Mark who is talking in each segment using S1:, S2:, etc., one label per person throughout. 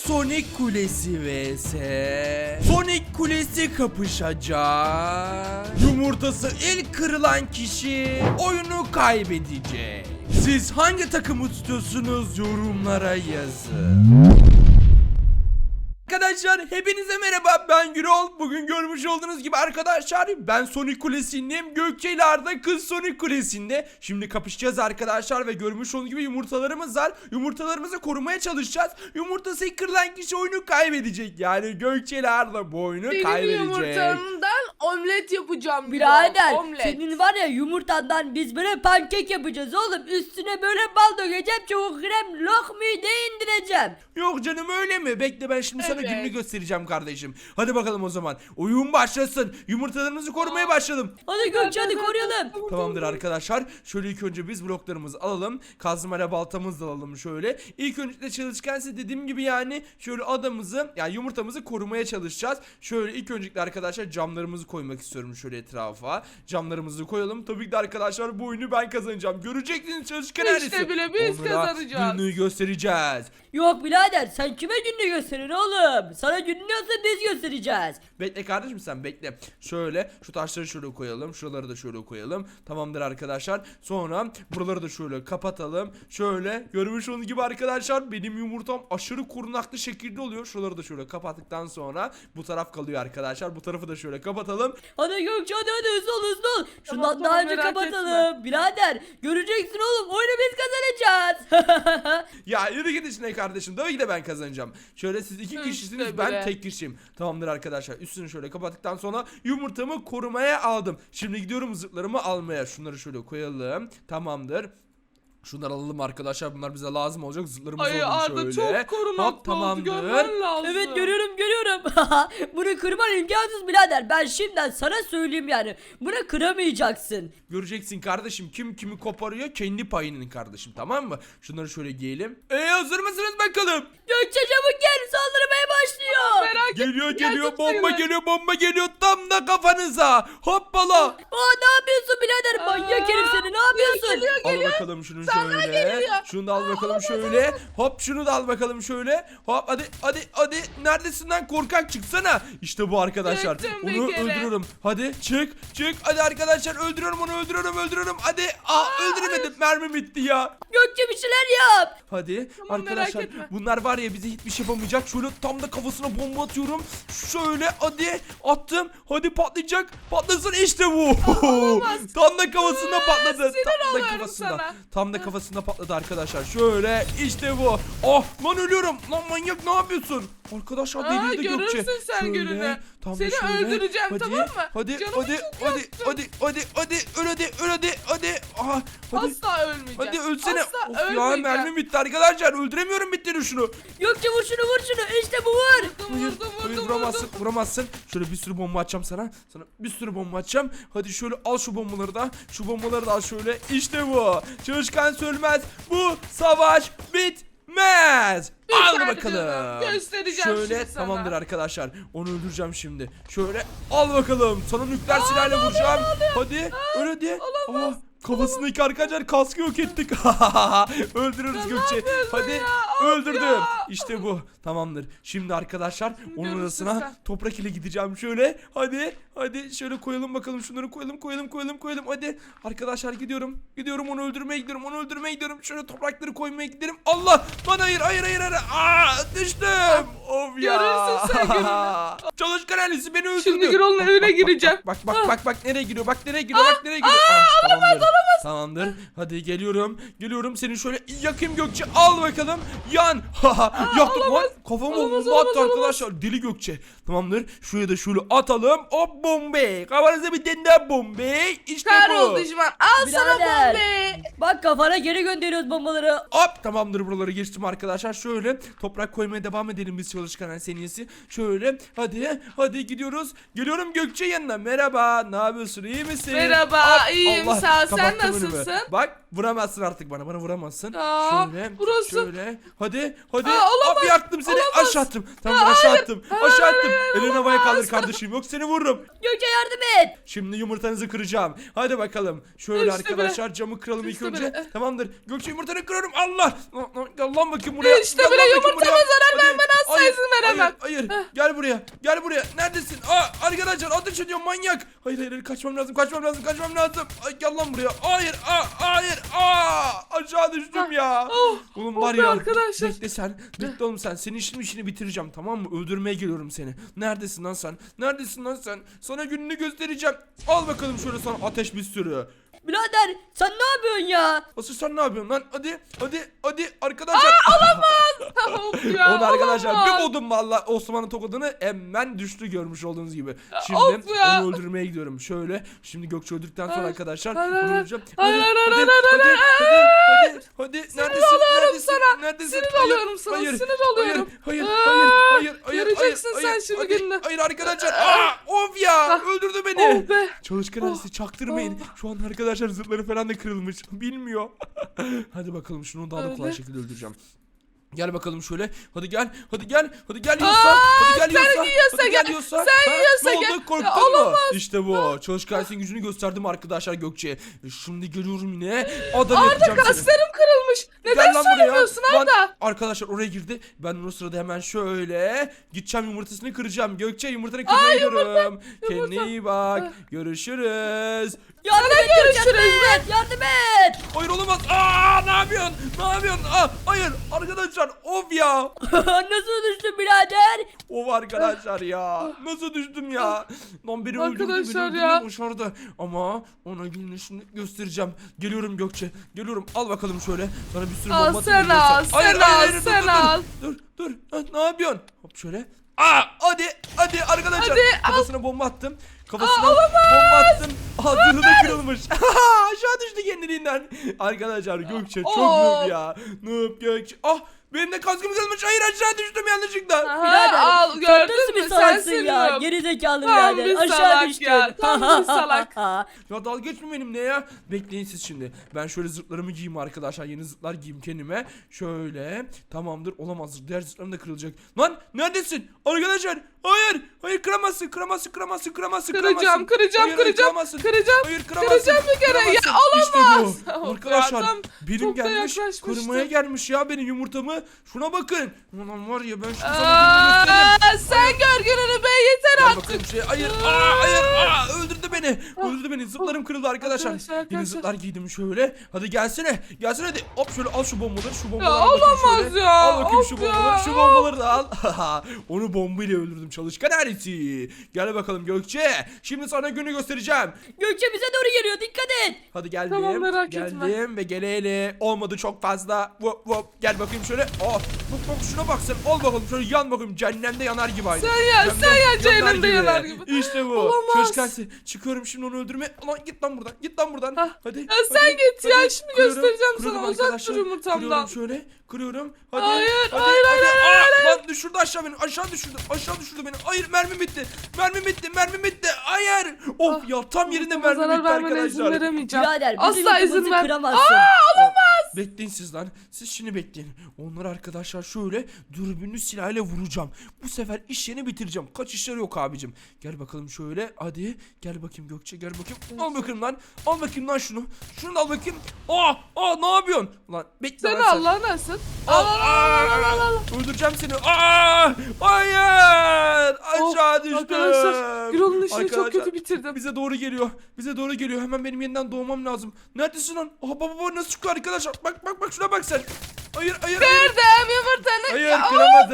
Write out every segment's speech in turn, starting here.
S1: Sonic Kulesi vs Sonic Kulesi kapışacak. Yumurtası ilk kırılan kişi oyunu kaybedecek. Siz hangi takımı tutuyorsunuz yorumlara yazın. Arkadaşlar hepinize merhaba, ben Gürol. Bugün görmüş olduğunuz gibi arkadaşlar ben Sonic Kulesi'ndeyim. Gökçe ile Arda kız Sonic Kulesi'nde. Şimdi kapışacağız arkadaşlar ve görmüş olduğunuz gibi yumurtalarımız var. Yumurtalarımızı korumaya çalışacağız. Yumurtası kırılan kişi oyunu kaybedecek. Yani Gökçe ile Arda bu oyunu kaybedecek.
S2: Benim yumurtamdan omlet yapacağım.
S3: Birader
S2: Omlet.
S3: senin var ya yumurtandan biz böyle pankek yapacağız oğlum. Üstüne böyle bal dökeceğim, çabuk krem lokmayı da indireceğim.
S1: Yok canım, öyle mi? Bekle, ben şimdi sana
S2: Evet.
S1: gününü göstereceğim kardeşim. Hadi bakalım o zaman. Oyun başlasın. Yumurtalarımızı korumaya başladım.
S3: Hadi Gökçe hadi koruyalım.
S1: Tamamdır arkadaşlar. Şöyle ilk önce biz bloklarımızı alalım. Kazmayla baltamızı da alalım şöyle. İlk önce çalışkansa dediğim gibi yani şöyle adamımızı, yani yumurtamızı korumaya çalışacağız. Şöyle ilk öncelikle arkadaşlar camlarımızı koymak istiyorum şöyle etrafa. Camlarımızı koyalım. Tabii ki de arkadaşlar bu oyunu ben kazanacağım. Göreceksiniz çalışkan ailesi.
S2: İşte bile biz
S1: Onlara
S2: kazanacağız.
S1: gününü göstereceğiz.
S3: Yok birader sen kime gününü gösteriyorsun oğlum? Sana gününü olsa biz göstereceğiz.
S1: Bekle kardeşim, sen bekle. Şöyle şu taşları şöyle koyalım. Şuraları da şöyle koyalım. Tamamdır arkadaşlar. Sonra buraları da şöyle kapatalım. Şöyle görmüş olduğunuz gibi arkadaşlar benim yumurtam aşırı korunaklı şekilde oluyor. Şuraları da şöyle kapattıktan sonra bu taraf kalıyor arkadaşlar. Bu tarafı da şöyle kapatalım.
S3: Hadi Gökçe hadi hızlı ol hızlı ol. Şundan
S2: Tamam,
S3: daha önce
S2: merak
S3: kapatalım. Birader göreceksin oğlum, oyunu biz kazanacağız.
S1: Ya yürü git işine kardeşim. Tabii ki de ben kazanacağım. Şöyle siz iki
S2: İşte
S1: kişisiniz, ben
S2: bile.
S1: tek kişiyim. Tamamdır arkadaşlar. Üstünü şöyle kapattıktan sonra yumurtamı korumaya aldım. Şimdi gidiyorum zırhlarımı almaya. Şunları şöyle koyalım. Tamamdır. Şunları alalım arkadaşlar. Bunlar bize lazım olacak. Zırhlarımızı
S2: Ay
S1: alalım
S2: Arda
S1: şöyle.
S2: çok korunaklı
S1: Hop,
S2: oldu,
S1: tamamdır.
S2: görmen lazım.
S3: Evet görüyorum. Bunu kırman imkansız birader. Ben şimdiden sana söyleyeyim yani. Bunu kıramayacaksın.
S1: Göreceksin kardeşim, kim kimi koparıyor kendi payının kardeşim, tamam mı? Şunları şöyle giyelim. Hazır mısınız bakalım?
S3: Gökçe çabuk gel, saldırmaya başlıyor.
S2: Merak etme.
S1: Geliyor
S2: Geldim
S1: bomba
S2: sayılır.
S1: geliyor, bomba geliyor tam da kafanıza. Hoppala.
S3: Aa ne yapıyorsun birader? Manyak herif seni, ne yapıyorsun?
S1: Al bakalım şunu şöyle.
S2: geliyor.
S1: Şunu da al bakalım şöyle. Hop, şunu da al bakalım şöyle. Hop, hadi. Neredesin lan, korkak, çıksana. İşte bu arkadaşlar.
S2: Çıktım bir
S1: Onu
S2: kere.
S1: öldürüyorum. Hadi çık. Hadi arkadaşlar, öldürüyorum onu, öldürüyorum. Hadi. Öldüremedim. Mermi bitti ya.
S3: Gökçe bir şeyler yap.
S1: Hadi
S2: Tamam, merak
S1: arkadaşlar,
S2: etme.
S1: bunlar var ya bize hiçbir şey yapamayacak. Şöyle tam da kafasına bomba atıyorum. Şöyle hadi attım. Hadi patlayacak. Patlasın, işte bu. Tam da kafasında patladı.
S2: sinir
S1: Tam da
S2: oluyorum
S1: kafasında.
S2: sana.
S1: Tam da kafasında patladı arkadaşlar. Şöyle işte bu. Oh lan, ölüyorum. Lan manyak, ne yapıyorsun? Arkadaşlar delirdi Gökçe.
S2: Görürsün sen
S1: Şöyle,
S2: gününü.
S1: tam da
S2: Seni
S1: şöyle.
S2: öldüreceğim,
S1: Hadi,
S2: tamam mı?
S1: Hadi
S2: Canımı
S1: hadi
S2: çok
S1: hadi
S2: yaktın.
S1: hadi hadi. Aha, hadi.
S2: Asla ölmeyeceğim.
S1: Hadi ölsene.
S2: Asla
S1: Of ya,
S2: ölmeyeceğim.
S1: mermi bitti arkadaşlar. Öldüremiyorum, bitti şunu.
S3: Gökçe vur şunu. İşte bu vur.
S1: Hayır, vuramazsın. Şöyle bir sürü bomba atacağım sana. Sana bir sürü bomba atacağım. Hadi şöyle al şu bombaları da. Şu bombaları da al şöyle. İşte bu. Çalışkan sölmez. Bu savaş bitmez. Al
S2: Biter
S1: bakalım.
S2: canım, göstereceğim
S1: Şöyle
S2: şimdi sana.
S1: tamamdır arkadaşlar. Onu öldüreceğim şimdi. Şöyle al bakalım. Sana nükleer silahla vuracağım. Hadi. Öyle hadi.
S2: Olamaz.
S1: Kafasındaki arkadaşlar kaskı yok ettik. Öldürürüz Gökçe. Hadi
S2: ya?
S1: öldürdüm.
S2: Ya.
S1: İşte bu. Tamamdır. Şimdi arkadaşlar onun
S2: görürsün
S1: arasına
S2: sen.
S1: toprak ile gideceğim şöyle. Hadi şöyle koyalım bakalım, şunları koyalım. Hadi arkadaşlar, gidiyorum onu öldürmeye gidiyorum. Şöyle toprakları koymaya giderim. Allah lan, hayır. Düştüm. Of ya.
S2: Görürsün sen gününü.
S1: Çalışkan ailesi beni öldürdü.
S2: Şimdi Gürol'un evine gireceğim.
S1: Bak nereye giriyor. Tamamdır. Hadi geliyorum. Seni şöyle yakayım Gökçe. Al bakalım. Yan. Yaktım lan. Kafama bomba attı arkadaşlar. Deli Gökçe. Tamamdır. Şuraya da şöyle atalım. Hop, bombe. Kafanıza bir tane daha bombe. İşte bu.
S2: Kahrol düşman. Al sana
S3: Birader.
S2: bombe.
S3: Bak kafana geri gönderiyoruz bombaları.
S1: Hop, tamamdır, buraları geçtim arkadaşlar. Şöyle toprak koymaya devam edelim biz çalışkan seniyesi. Şöyle hadi gidiyoruz. Geliyorum Gökçe yanına. Merhaba. Ne yapıyorsun? İyi misin?
S2: Merhaba,
S1: Hop,
S2: iyiyim,
S1: Allah,
S2: sağ ol. Sen
S1: kapattım önümü.
S2: nasılsın?
S1: Bak, vuramazsın artık bana vuramazsın.
S2: Aa,
S1: Şöyle
S2: burası.
S1: şöyle. Hadi.
S2: olamaz,
S1: Hop, yaktım seni.
S2: olamaz.
S1: Aşağı attım. Tamam, aşağı attım.
S2: hayır,
S1: Elini havaya
S2: olamaz.
S1: kaldır kardeşim. Yok, seni vururum.
S3: Gökçe yardım et.
S1: Şimdi yumurtanızı kıracağım. Hadi bakalım. Şöyle
S2: İşte
S1: arkadaşlar camı kıralım ilk
S2: İşte
S1: önce.
S2: böyle.
S1: Tamamdır. Gökçe yumurtanı kırıyorum. Allah. Gel lan bakayım buraya.
S2: İşte
S1: Gel
S2: böyle
S1: lan bakayım
S2: yumurtama
S1: buraya.
S2: zarar
S1: Hadi.
S2: vermen asla hemen.
S1: Hayır. Gel buraya. Gel buraya. Neredesin? Arkadaşlar ateş ediyor manyak. Hayır. Kaçmam lazım. Ay, gel lan buraya. Hayır. Hayır. Aşağı düştüm ya. Oğlum var
S2: be
S1: ya.
S2: arkadaşlar.
S1: Bekle sen. Bekle oğlum sen. Senin işini bitireceğim, tamam mı? Öldürmeye geliyorum seni. Neredesin lan sen? Sana gününü göstereceğim. Al bakalım şöyle sana ateş bir sürü.
S3: Birader sen ne yapıyorsun ya?
S1: Asıl sen ne yapıyorsun lan? Hadi arkadaşlar.
S2: Of ya,
S1: Onu arkadaşlar
S2: olamaz.
S1: bir buldum valla Osman'ın tokadını hemen düştü görmüş olduğunuz gibi. Şimdi
S2: of ya.
S1: onu öldürmeye gidiyorum. Şöyle şimdi Gökçe öldürdükten sonra arkadaşlar
S2: Hayır,
S1: onu
S2: hayır.
S1: öldüreceğim.
S2: Hayır,
S1: Hadi. Neredesin?
S2: Sinir alıyorum sana, sinir alıyorum.
S1: Hayır.
S2: Göreceksin sen şimdi gününü.
S1: Hayır arkadaşlar. Of ya öldürdü beni.
S2: Oh be.
S1: Çalışkan ailesi çaktırmayın. Şu an arkadaşlar zırhları falan da kırılmış. Bilmiyor. Hadi bakalım şunu daha da kolay
S2: Öyle.
S1: şekilde öldüreceğim. Gel bakalım şöyle. Hadi gel Yosa.
S2: sen yiyorsa gel.
S1: Yosa.
S2: Sen yiyorsa
S1: ne
S2: gel.
S1: oldu? Korktun
S2: Ya,
S1: mu?
S2: olamaz.
S1: İşte bu. Çalışkan ailesinin gücünü gösterdim arkadaşlar Gökçe'ye. Şimdi geliyorum yine. Adam yapacağım seni.
S2: Kaslarım kırılmış. Neden
S1: Gel lan buraya.
S2: söylemiyorsun
S1: Lan,
S2: Arda?
S1: arkadaşlar oraya girdi. Ben o sırada hemen şöyle gideceğim, yumurtasını kıracağım. Gökçe yumurtanı kırmaya gidiyorum. Kendine iyi bak. Görüşürüz.
S3: Yardım et
S2: görüşürüz.
S3: yardım et.
S1: Hayır olamaz. Ne yapıyorsun? Hayır arkadaşlar of ya.
S3: Nasıl düştün birader?
S1: Of arkadaşlar ya. Nasıl düştüm ya? Lan beni öldürdü.
S2: Arkadaşlar
S1: Beni
S2: ya.
S1: öldürmeyi başardı. Ama ona gününü şimdi göstereceğim. Geliyorum Gökçe. Geliyorum. Al bakalım şöyle. Sana bir sürü
S2: Al
S1: bomba
S2: sen
S1: atayım
S2: al,
S1: Gökçe. Hayır,
S2: sen
S1: hayır,
S2: al,
S1: dur,
S2: sen
S1: dur,
S2: al.
S1: Dur. Ne yapıyorsun? Hop şöyle. Hadi arkadaşlar.
S2: Hadi,
S1: Kafasına bomba attım. Kafasına bomba attım. Zırhı da kırılmış. Aşağı düştü kendiliğinden. Arkadaşlar Gökçe çok noob ya. Noob Gökçe. Benim de kaskım kırılmış. Hayır aşağı düştüm yanlışlıkla.
S3: Birader,
S2: Al
S3: sen
S2: gördün
S3: nasıl
S2: mü
S3: bir salaksın
S2: sensin
S3: ya?
S2: noob.
S3: Geri zekalı
S2: Tam
S3: birader.
S2: bir
S3: Aşağı
S2: salak
S3: düştün.
S2: ya, tam bir salak.
S1: Ya dalga geçme benimle ya. Bekleyin siz şimdi. Ben şöyle zırhlarımı giyeyim arkadaşlar. Yeni zırhlar giyeyim kendime. Şöyle. Tamamdır. Olamaz. Diğer zırhlarım da kırılacak. Lan neredesin? Arkadaşlar. Hayır kıramazsın.
S2: Kıracağım.
S1: Kıramazsın.
S2: Kıracağım.
S1: Hayır kıramazsın.
S2: Kıracağım bir kere. Ya,
S1: İşte
S2: olamaz.
S1: bu.
S2: Of
S1: Arkadaşlar
S2: ya, tam
S1: benim
S2: çok da
S1: gelmiş.
S2: yaklaşmıştım.
S1: Kırmaya gelmiş ya benim yumurtamı. Şuna bakın. Ulan var ya ben şimdi sana gününü gösteririm.
S2: Sen gör gününü be, yeter
S1: Gel
S2: artık.
S1: bakalım şuraya. Hayır. Öldürdü beni. Zıplarım kırıldı arkadaşlar.
S2: Arkadaşlar.
S1: Yeni zıplar giydim şöyle. Hadi gelsene hadi. Hop şöyle al şu bombaları.
S2: olamaz ya,
S1: Al bakayım
S2: of
S1: şu
S2: ya.
S1: bombaları. Şu bombaları da al. Onu bombayla öldürdüm çalışkan ailesi. Gel bakalım Gökçe. Şimdi sana günü göstereceğim.
S3: Gökçe bize doğru geliyor, dikkat et.
S1: Hadi geldim.
S2: Tamam, merak
S1: geldim
S2: etme.
S1: ve geleli. Olmadı çok fazla. Gel bakayım şöyle. Bak şuna bak sen. Al bakalım şöyle yan bakayım. Cehennemde yanar gibi aynı.
S2: Sen ya, cehennemde yanar gibi.
S1: İşte bu.
S2: Olamaz.
S1: Çalışkansı. Çıkıyorum şimdi onu öldürme. Lan git lan buradan. Hadi.
S2: Ya sen git ya, şimdi
S1: Kırıyorum,
S2: göstereceğim
S1: kırıyorum
S2: sana. Uzak
S1: arkadaşlar.
S2: dur yumurtamdan.
S1: Kırıyorum şöyle. Kırıyorum. Hadi.
S2: Hayır,
S1: hadi,
S2: hayır,
S1: hadi.
S2: hayır,
S1: Lan düşürdü aşağı beni. Aşağı düşürdü beni. Hayır mermim bitti. Hayır. Of ya tam yerinde
S2: Sana
S1: mermim
S2: zarar
S1: bitti
S2: vermene izin
S1: arkadaşlar.
S2: veremeyeceğim.
S3: Birader bizim
S2: Asla izin
S3: yumurtamızı
S2: ver.
S3: kıramazsın.
S1: Bekleyin siz lan. Siz şimdi bekleyin. Onları arkadaşlar şöyle dürbünlü silahıyla vuracağım. Bu sefer iş yerini bitireceğim. Kaç işleri yok abicim. Gel bakalım şöyle. Hadi. Gel bakayım Gökçe gel bakayım. Al bakayım lan. Al bakayım lan şunu. Şunu da al bakayım. Ne yapıyorsun? Lan bekle
S2: Sen
S1: lan
S2: Allah nasıl?
S1: al. Öldüreceğim seni. Hayır. Aşağı düştüm.
S2: Arkadaşlar Gürol'un işini çok
S1: Arkadaşlar,
S2: kötü bitirdim.
S1: Bize doğru geliyor. Hemen benim yeniden doğmam lazım. Neredesin lan? Baba nasıl çıkıyor arkadaşlar? Bak şuna bak sen. Hayır.
S2: Kırdım yumurtanı.
S1: Hayır
S2: Ya,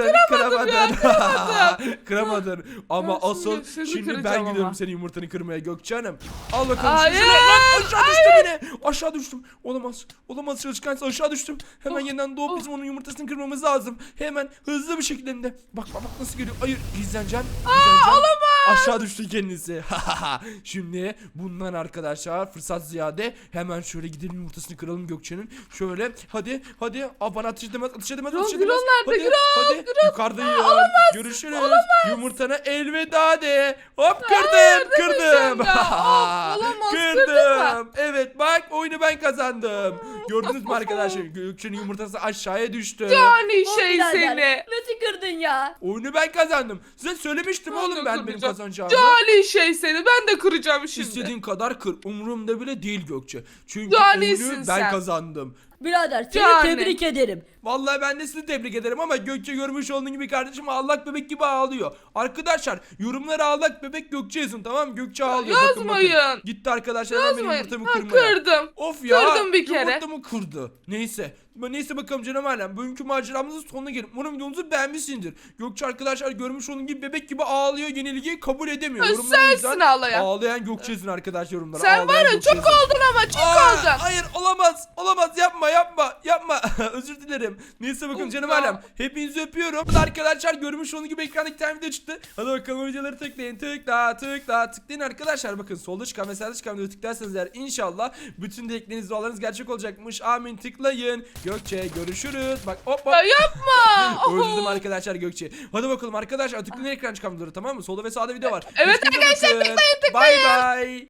S1: kıramadın. Ama
S2: Ben
S1: asıl
S2: şimdi
S1: şimdi ben
S2: kıracağım
S1: gidiyorum
S2: ama.
S1: senin yumurtanı kırmaya Gökçe Hanım. Al bakalım.
S2: Hayır,
S1: şunu. Lan aşağı düştü beni. Aşağı düştüm. Olamaz çalışkansa aşağı düştüm. Hemen yeniden doğup bizim onun yumurtasını kırmamız lazım. Hemen hızlı bir şekilde hem de. Bak nasıl geliyor. Hayır gizleneceğim. Aşağı düştü kendisi. Şimdi bundan arkadaşlar fırsat ziyade hemen şöyle gidelim yumurtasını kıralım Gökçe'nin. Şöyle hadi. Bana ateş edemez.
S2: Gürol nerede?
S1: Hadi yukarıdayım. Görüşürüz. Yumurtana elveda de. Hop kırdım.
S2: demeyeceğim ya. Olamaz,
S1: Kırdım. Evet bak oyunu ben kazandım. Gördünüz mü arkadaşlar? Gökçe'nin yumurtası aşağıya düştü.
S2: Yani
S3: O
S2: şey
S3: birader,
S2: seni.
S3: nasıl kırdın ya?
S1: Oyunu ben kazandım. Size söylemiştim
S2: Ben
S1: oğlum
S2: de
S1: benim
S2: kıracağım.
S1: kazanacağımı.
S2: Cani şey seni. Ben de kıracağım şimdi.
S1: İstediğin kadar kır. Umurumda bile değil Gökçe. Çünkü
S2: Canisin
S1: oyunu ben
S2: sen.
S1: kazandım.
S3: Birader seni
S2: Yani.
S3: tebrik ederim.
S1: Vallahi ben de sizi tebrik ederim ama Gökçe görmüş olduğun gibi kardeşim ağlak bebek gibi ağlıyor. Arkadaşlar yorumlara ağlak bebek Gökçe yazın, tamam mı? Gökçe ağlıyor. Bakın, bakın.
S2: Yazmayın.
S1: Gitti arkadaşlar hemen benim
S2: Yazmayın.
S1: yumurtamı
S2: Ha,
S1: kırmaya.
S2: kırdım.
S1: Of ya.
S2: Kırdım bir kere.
S1: Yumurtamı kırdı. Neyse. Neyse bakalım canım alem. Bugünkü maceramızın sonuna gelin. Umarım videomuzu beğenmişsindir. Gökçe arkadaşlar görmüş olduğun gibi bebek gibi ağlıyor. Yenilgiyi kabul edemiyor.
S2: Ha,
S1: Yorumlara
S2: sensin
S1: yazan,
S2: ağlayan.
S1: Ağlayan Gökçe yazın arkadaşlar yorumlara.
S2: Sen var
S1: Ağlayan
S2: ya
S1: Gökçe
S2: çok
S1: yazın.
S2: oldun ama çok oldun.
S1: Hayır olamaz. Olamaz, yapma. Özür dilerim. Neyse bakın
S2: Of
S1: canım
S2: ya.
S1: alem. Hepinizi öpüyorum. Bu da arkadaşlar görmüş olduğunuz gibi ekranda 2 tane video çıktı. Hadi bakalım videoları tıklayın. Tıklayın arkadaşlar. Bakın solda çıkan ve sağda çıkan videoyu tıklarsanız eğer inşallah bütün dilekleriniz, dualarınız gerçek olacakmış. Amin, tıklayın. Gökçe görüşürüz. Bak hop.
S2: Ya yapma.
S1: Öldürdüm arkadaşlar Gökçe. Hadi bakalım arkadaşlar tıklayın ekran çıkan videoları, tamam mı? Solda ve sağda video var.
S2: Evet
S1: Hiçbirinize
S2: arkadaşlar,
S1: bakın.
S2: tıklayın.
S1: Bay bay.